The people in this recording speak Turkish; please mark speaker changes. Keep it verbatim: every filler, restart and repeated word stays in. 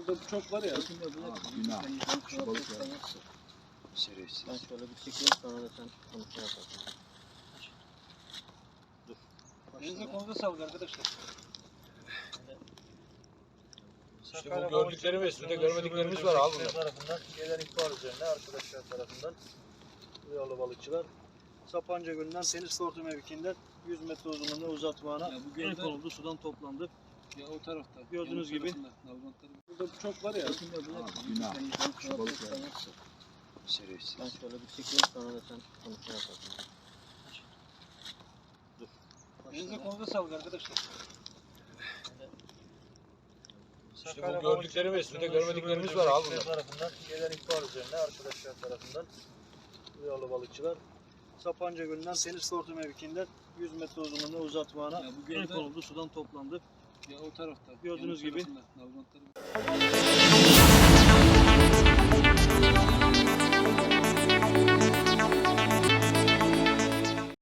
Speaker 1: Burada çok var ya.
Speaker 2: Günah. Şu balıklar. Şerefsiz.
Speaker 3: Ben şöyle bir çekeyim, sonra da sen konuşma yaparsın. Dur.
Speaker 1: Elinize konuda sağlık arkadaşlar.
Speaker 4: İşte bu gördüklerimiz, bir de görmediklerimiz var abi bunlar.
Speaker 5: Tarafından gelen ihbar üzerine arkadaşlar tarafından duyarlı balıkçılar Sapanca Gölü'nden Deniz Tortu mevkiinden yüz metre uzunluğunda uzatmağına
Speaker 1: Ya bu
Speaker 5: el
Speaker 1: gölde-
Speaker 5: konuldu, sudan toplandı.
Speaker 1: Ya o tarafta.
Speaker 5: Gördüğünüz
Speaker 1: yan
Speaker 5: gibi.
Speaker 1: tarafında, Nalbantların. Burada çok var ya.
Speaker 2: Günah. Şu balıklar. Şerefsiz.
Speaker 3: Ben şöyle bir çekeyim, sonra da sen konuşma yaparsın. Dur.
Speaker 1: Elinize konuda sağlık arkadaşlar.
Speaker 4: İşte bu gördüklerimiz, bir de görmediklerimiz var abi bunlar.
Speaker 5: Tarafından gelen ihbar üzerine arkadaşlar tarafından duyarlı balıkçılar Sapanca Gölü'nden Deniz Tortu mevkiinden yüz metre uzunluğunda uzatmağına
Speaker 1: Ya bu
Speaker 5: el
Speaker 1: gölde-
Speaker 5: konuldu, sudan toplandı.
Speaker 1: Ya o tarafta.
Speaker 5: Gördüğünüz
Speaker 1: yan
Speaker 5: gibi.
Speaker 1: tarafında, Nalbantların.